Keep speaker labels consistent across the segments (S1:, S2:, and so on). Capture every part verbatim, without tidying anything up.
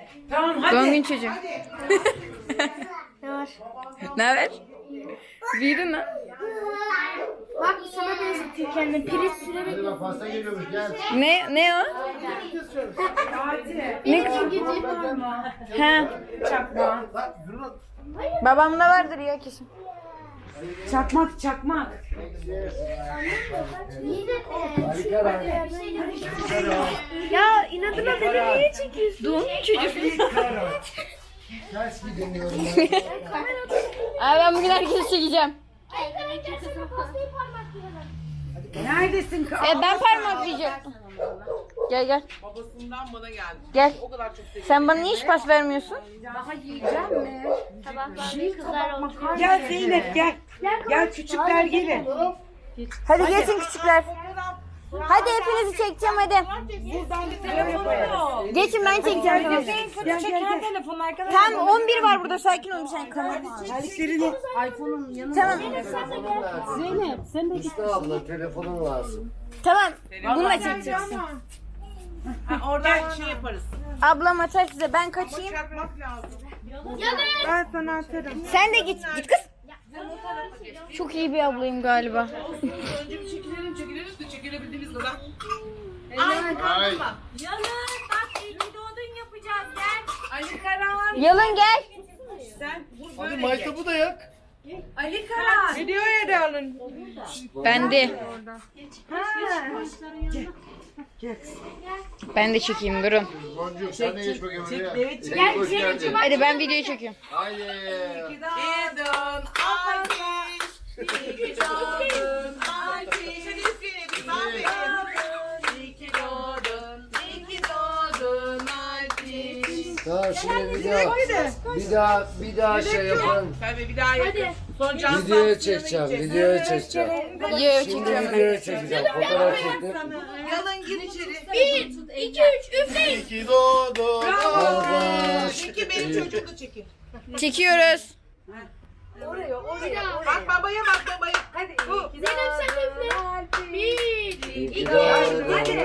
S1: Tamam hadi.
S2: Doğum gün çocuğum.
S3: Ne var?
S2: Ne haber? Büyüdün lan.
S3: Bak sana benzetiyor kendini. Priz sürerek.
S4: Hadi bak pasta geliyormuş gel.
S2: Ne ne o? Ne kız? He.
S1: Çakmak.
S2: Babamda vardır ya kesin.
S1: Çakmak çakmak.
S3: Ya inadına beni niye çekiyorsun?
S2: Doğum gün çocuğum.
S4: Ters gidemiyorum
S2: Abi ben bugün herkesi çekeceğim.
S1: Neredesin?
S2: E, ben parmaklayacaktım. Gel gel.
S5: Babasından bana geldi.
S2: Gel.
S5: O kadar çok seviyorum.
S2: Sen bana niye hiç pas vermiyorsun?
S1: Daha yiyeceğim mi?
S3: Sabahlar kızlar oturuyor.
S1: Gel Zeynep gel. Gel küçükler gelin.
S2: Hadi geçin küçükler. Hadi hepinizi çekeceğim hadi. Geçin ben çekeceğim tamam.
S1: Gel gel gel. Telefon arkadaş.
S2: Tam on bir var burada sakin ol bir sen kamera.
S1: Terliklerini. iPhone'un yanına.
S2: Tamam.
S4: Telefonun lazım.
S1: Zeynep sen de git.
S4: Usta abla telefonun lazım.
S2: Tamam. Bununla çekeceksin.
S5: Ha, oradan şey yaparız.
S2: Ablam atar size ben kaçayım.
S5: Çakmak lazım.
S1: Ben sana atarım.
S2: Sen de git. Git kız. Çok iyi bir ablayım galiba.
S5: Önce bir çekilelim çekiliriz de çekilebildiğimiz kadar.
S4: Ay.
S5: Ali Karan.
S2: Yalın gel.
S5: Sen vur
S4: Hadi
S5: böyle.
S4: maytabı da yak.
S5: Ali Karan. Videoya da alın.
S2: Ben de.
S1: Gel.
S2: Ben de çekeyim durun.
S4: Boncuk sen de geç bakayım oraya.
S5: Evet, çek.
S4: Gel hoş geldin.
S2: Hadi ben videoyu çekiyorum.
S4: Haydi.
S5: Gidon alkış. Gidon alkış. Hadi üfleyelim. Bir mahvedelim. İyi ki doğdun. İyi ki doğdun alkış.
S4: Tamam şimdi bir daha. Bir daha bir daha şey yapalım.
S5: Tabii bir daha yapın. Son can
S4: Videoya
S5: sansiyona
S4: çekeceğim.
S5: gideceğiz.
S4: Videoya çekeceğim.
S2: Videoyu
S4: Şimdi
S2: çekiyorum.
S4: videoya çekeceğim. Fotoğraf çektim.
S5: Yalın gir içeri.
S3: Bir, iki, üç, üfleyin.
S4: İyi ki doğdun. Albaş.
S5: İki benim çocuğu da çekin.
S2: Çekiyoruz.
S5: Bak babaya bak babaya. Hadi. Bu.
S3: Zeynep sen de üfle. Bir,
S4: İyi ki
S3: iki,
S4: doğdun.
S1: Hadi.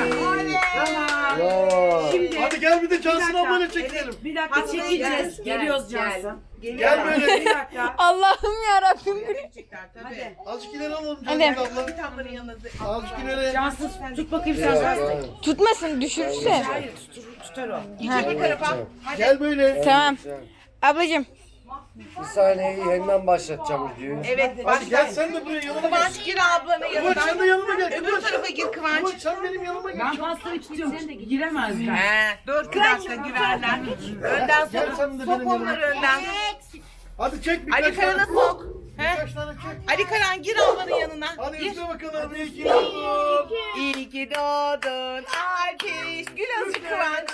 S4: Bravo.
S1: Şimdi
S4: Hadi gel bir de Cansın ablayla çekelim.
S1: bir dakika
S5: Hadi,
S1: çekeceğiz.
S5: gel,
S1: Geliyoruz
S5: gel.
S1: Cansın.
S4: Gel böyle.
S1: Bir dakika.
S2: Allah'ım yarabbim.
S5: Çekecekler tabii.
S4: Azıcık ileri alalım
S2: Hadi.
S4: Cansın abla.
S5: Kitapların yanına.
S4: Azıcık ileri.
S1: Cansın tut bakayım sen
S4: Yok,
S1: Cansın.
S4: hayır.
S2: Tutmasın düşürürse.
S1: Hayır tutar, tutar o.
S2: Ha.
S5: Bir tarafa.
S4: Gel böyle.
S2: Tamam. Ablacığım.
S4: Bir saniye yeniden başlatacağım videoyu.
S5: Evet.
S4: Hadi gel
S5: Başla.
S4: sen de buraya yanıma gel.
S5: Kıvanç gir ablanın
S4: Kıvanç sen de
S5: yanına.
S4: yanıma gel.
S5: Öbür tarafa gir
S4: Kıvanç
S5: Kıvanç.
S4: sen benim yanıma gel.
S1: Ben pastayı tutuyorum. Giremezler.
S5: He, dur bir dakika girerler. Önden
S4: Gel
S5: sok.
S4: sen de
S5: Sok
S4: benim
S5: onları önden.
S4: Hadi çek birkaç
S5: Ali Karan'a
S4: tane.
S5: sok. He?
S4: Birkaç tane çek.
S5: Ali Karan gir ablanın yanına.
S4: Hadi
S5: Gir.
S4: üfle bakalım. İyi ki doğdun.
S5: İyi ki doğdun alkış. Gül azıcık Kıvanç.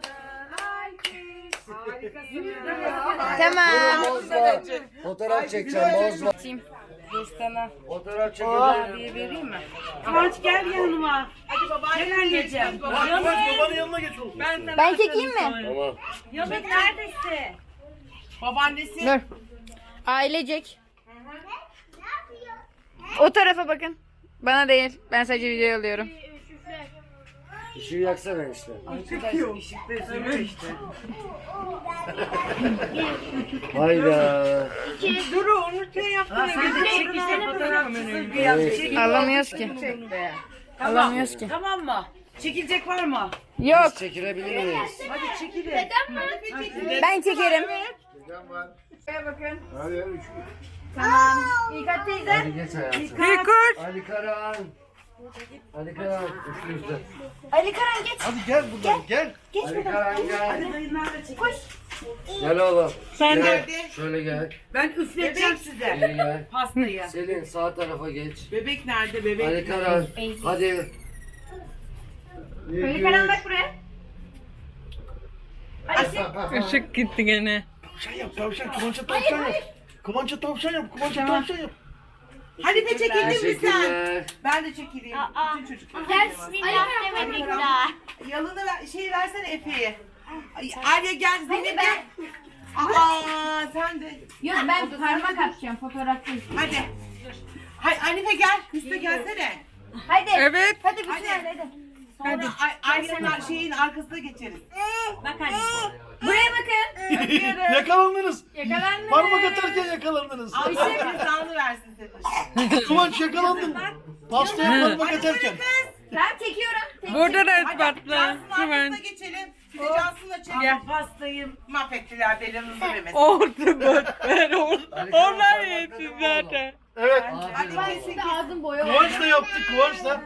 S2: Tamam.
S4: Bozma. Fotoğraf çekeceğim bozma.
S1: Dostana.
S4: Fotoğraf çekeceğim.
S1: Diye vereyim mi? Kıvanç gel yanıma.
S5: Hadi babaanne.
S1: Gel anneciğim.
S4: Kıvanç babanın yanına geç oğlum.
S2: Ben çekeyim mi?
S4: Tamam.
S1: Yalın neredesin?
S5: Babaannesi.
S2: Dur. Ailecek. O tarafa bakın. Bana değil. Ben sadece video alıyorum.
S4: Işığı yaksana işte.
S1: Çıkıyor. Işıkta üzülüyor işte.
S4: Hayda.
S1: Dur onu şey yaptın. Sen de çek işte fotoğrafçısın.
S4: Evet.
S2: Alamıyoruz ki. Alamıyoruz ki.
S1: Tamam mı? Çekilecek var mı?
S2: Yok.
S4: Biz çekilebilir miyiz?
S1: Hadi çekilin.
S2: Ben çekerim.
S4: Çekeceğim ben.
S2: Bakın.
S4: Hadi üç.
S2: Tamam. İlkat teyze.
S4: Hadi geç hayatım.
S1: Kırk.
S4: Ali Karan. Ali Karan. Üstü üstü.
S2: Ali Karan geç.
S4: Hadi gel buradan gel.
S2: Geç
S4: Ali
S2: buradan.
S4: Karan gel.
S1: Hadi dayınlar da çek.
S4: Gel oğlum.
S1: Sen
S4: Gel.
S5: nerede?
S4: Şöyle gel.
S1: Ben üfleteceğim size.
S4: Geri gel.
S1: Pastayı.
S4: Selin sağ tarafa geç.
S5: Bebek nerede bebek?
S4: Ali Karan. Hadi.
S2: Ali Karan bak buraya.
S1: Işık gitti gene.
S4: Tavşan yap tavşan. Kıvanç'a tavşan yap. Kıvanç'a tavşan yap. Kıvanç'a tavşan yap.
S5: Hadi de çekildin mi sen?
S4: Teşekkürler.
S5: Ben de çekileyim. Bütün çocuklar.
S3: Gel bismillah demedik daha.
S5: Yalını ver, şey versene Efe'ye. Ay, Arya gel, Zeynep gel. Aa sen de.
S2: Yok ben parmak atacağım fotoğrafçıyım.
S5: Hadi. Hay Hanife gel, Hüsnü gelsene.
S2: Hadi.
S1: Evet.
S2: Hadi bütün hadi. hadi.
S5: Sonra Ay- Arya'nın şeyin arkasına geçeriz.
S1: Bak hadi.
S2: Buraya bakın.
S4: Yakalandınız.
S2: Yakalandınız.
S4: Parmak atarken yakalandınız.
S5: Allah cezanı versin seni.
S4: Kıvanç yakalandın. Pastaya parmak atarken.
S2: Ben çekiyorum. Tek-
S6: Burada da
S5: Hadi
S6: ispatla.
S5: Cansu'nun arkasına
S6: Hemen.
S5: geçelim. Bir de Cansu'la çekelim. Pastayı mahvettiler belanızı vermesin.
S6: Orta bötler. Onlar yetti zaten.
S4: Evet.
S5: Hadi kesin kesin.
S3: Ağzım boya
S4: Kıvanç da yaptı. Kıvanç da.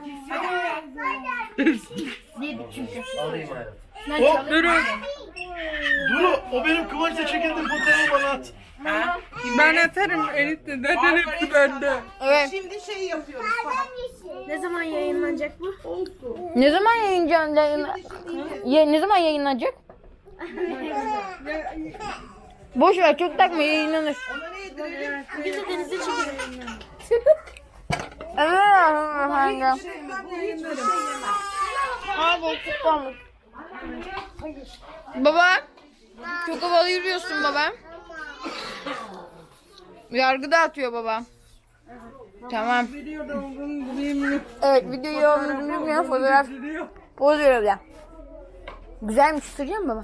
S4: O,
S6: Durun.
S4: Duru, o benim Kıvanç'la çekildiğim fotoğrafı bana at.
S5: Ha?
S6: Ben atarım enişte. Zaten hepsi bende.
S2: Evet.
S5: Şimdi şey yapıyoruz.
S3: Ne zaman yayınlanacak bu?
S2: Ne zaman yayınlanacak? Yayın... Ya, ne zaman yayınlanacak? Boş ver, çok takma, yayınlanır.
S5: Ona ne yedirelim?
S3: Biz de denize çekelim.
S2: Evet. Hadi çıkalım. Baba, çok havalı yürüyorsun baba. Yargı dağıtıyor baba. Tamam. Evet, videoyu olduğunu bilmiyorum, fotoğraf poz veriyor ya. Güzelmiş, sürüyor mu baba?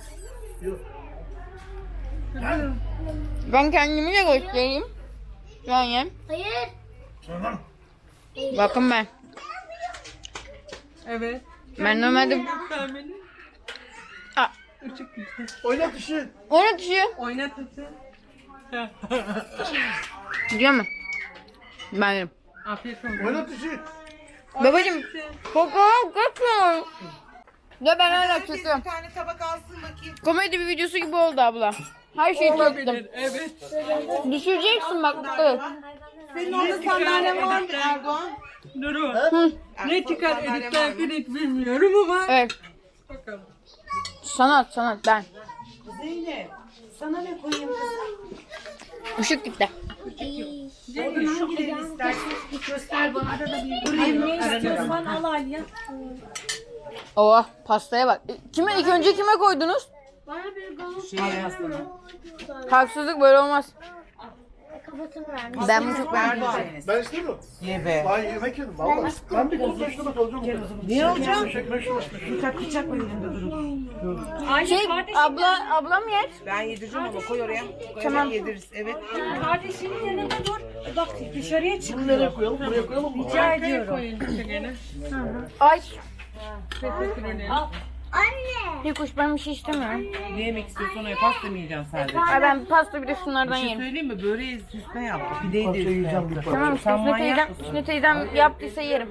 S2: Ben kendimi de göstereyim. Yani.
S3: Hayır.
S2: Bakın ben.
S6: Evet.
S2: Ben normalde... Aa,
S4: Oynat işi.
S2: oynat işi.
S6: Oynat hadi.
S2: Gidiyor mu? Ben yerim.
S6: Afiyet olsun.
S4: Oynat işi.
S2: Babacım, koku kaçıyor. Ya ben hala
S5: Herkes
S2: çekiyorum.
S5: bir tane tabak alsın bakayım.
S2: Komedi bir videosu gibi oldu abla. Her şeyi çektim.
S6: Olabilir. Evet.
S2: Düşüreceksin bak. Evet.
S5: Senin orada sandalyen var mı Erdoğan?
S6: Durun.
S2: Hı.
S6: Ne çıkar editlerken hiç bilmiyorum ama.
S2: Evet.
S6: Bakalım.
S2: Sanat sanat ben.
S5: Zeynep. Sana ne koyayım kızım?
S2: Işık gitti.
S5: Hangilerini istersin?
S1: Ne istiyorsan al Aliye.
S2: Oh, pastaya bak. Kime ilk önce kime koydunuz?
S3: Bana bir gazoz
S5: Şey aslında.
S2: Haksızlık böyle olmaz.
S3: kafasını vermiş.
S2: Ben bunu çok beğendim.
S5: Erdoğan.
S4: Ben istedim.
S5: Ye be.
S4: Ben yemek yedim valla. Ben bir kız meşrubat alacağım.
S5: Ne olacak?
S4: Meşrubat meşrubat.
S5: Bıçak bıçak var elimde durun.
S1: Ayşe
S2: Şey,
S1: kardeşim.
S2: abla ablam yer.
S5: Ben yedireceğim ama koy oraya. Koy
S2: Tamam.
S5: yediririz. Evet.
S1: Kardeşinin yanında dur. Bak dışarıya çık.
S4: Bunu nereye koyalım? Buraya koyalım mı?
S1: Rica ediyorum.
S6: Koyun işte gene.
S2: Ay.
S6: Teşekkür ederim.
S2: Bir kuş ben bir şey istemiyorum.
S5: Ne yemek istiyorsan o pasta mı yiyeceksin sadece?
S2: Ay ben pasta bir de şunlardan
S5: Bir şey
S2: yerim.
S5: söyleyeyim mi? Böreği süsne yaptı. Pideyi de üstüne yaptı.
S2: Tamam,
S5: Sen
S2: Hüsnü
S5: manyak
S2: teyzem,
S5: mısın?
S2: Hüsnü teyzem yaptıysa yerim.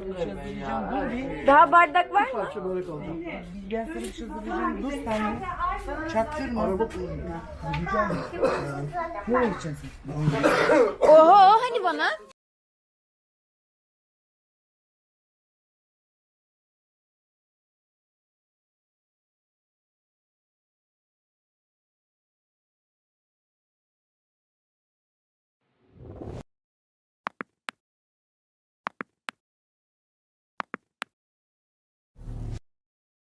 S2: Daha bardak var mı?
S4: Börek alacağım.
S5: Ben sana bir şey söyleyeceğim. Dur sen de. Çaktırma.
S4: Gideceğim.
S5: Nereye gideceksin?
S2: Oho, hani bana?